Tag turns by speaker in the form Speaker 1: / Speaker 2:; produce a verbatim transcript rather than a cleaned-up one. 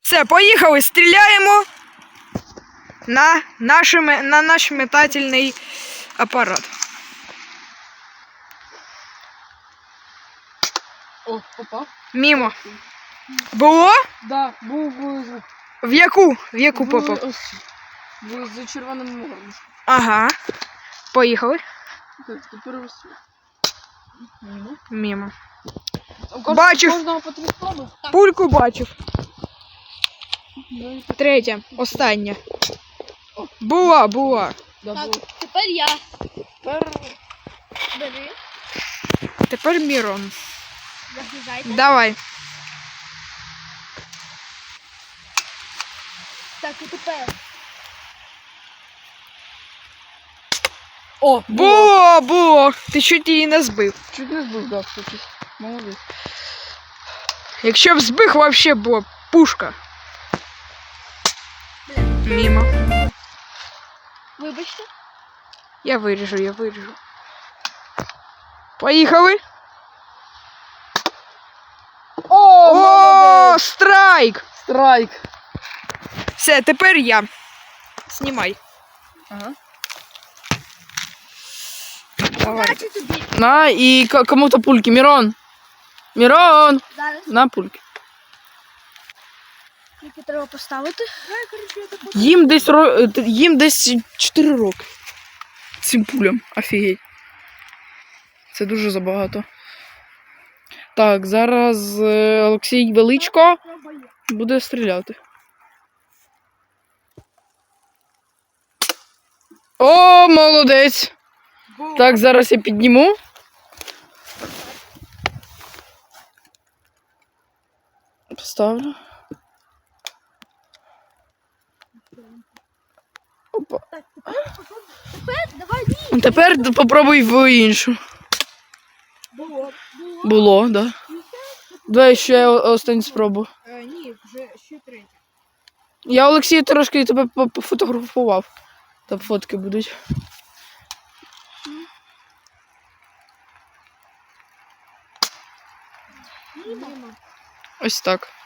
Speaker 1: Все, поїхали, стріляємо на, наші, на наш метательний апарат.
Speaker 2: О, попав.
Speaker 1: Мімо. Було?
Speaker 2: Да, був, був звук.
Speaker 1: В яку? В яку
Speaker 2: Був
Speaker 1: попав?
Speaker 2: ось. Був за червоним горлышком.
Speaker 1: Ага. Поїхали.
Speaker 2: Так, тепер ось. Мимо.
Speaker 1: Мімо.
Speaker 2: У кожного-
Speaker 1: Бачив.
Speaker 2: у Кожного по три спроби.
Speaker 1: Пульку бачив.
Speaker 2: Ну, і
Speaker 1: Третя, остання. Була, була.
Speaker 2: да,
Speaker 3: Так,
Speaker 2: було.
Speaker 3: тепер я.
Speaker 2: Тепер
Speaker 3: Бери,
Speaker 1: Тепер Мірон.
Speaker 3: загружайте.
Speaker 1: Давай.
Speaker 3: Так, і тепер.
Speaker 2: О, було.
Speaker 1: Було, було. Ти чуть її не збив.
Speaker 2: Чуть не збив, да, кстати. Молодець.
Speaker 1: Якщо б збив, вообще була пушка. Мімо.
Speaker 3: Вибачте.
Speaker 1: Я виріжу, я виріжу. Поїхали.
Speaker 2: О,
Speaker 1: О,
Speaker 2: молодець.
Speaker 1: страйк!
Speaker 2: Страйк.
Speaker 1: Все, тепер я. Знімай.
Speaker 2: Ага.
Speaker 1: Давай.
Speaker 3: Бачу тобі.
Speaker 2: На, і к- кому-то пульки. Мирон. Мирон.
Speaker 3: Зараз.
Speaker 2: На пульки.
Speaker 3: Тільки треба поставити.
Speaker 2: Їм десь, ро... е, їм десь чотири роки. Цим пулям. Офігеть. Це дуже забагато. Так, зараз е, Олексій Величко буде стріляти. О, молодець! Так, зараз я підніму. Поставлю. Опа.
Speaker 3: Тепер давай ні.
Speaker 2: Тепер попробуй в іншу.
Speaker 3: Було.
Speaker 2: Було, так. Да. Давай ще останню спробу.
Speaker 1: Е, ні, вже ще третя.
Speaker 2: Я, Олексій, трошки тебе по- пофотографував. Там фотки будуть. Ось так.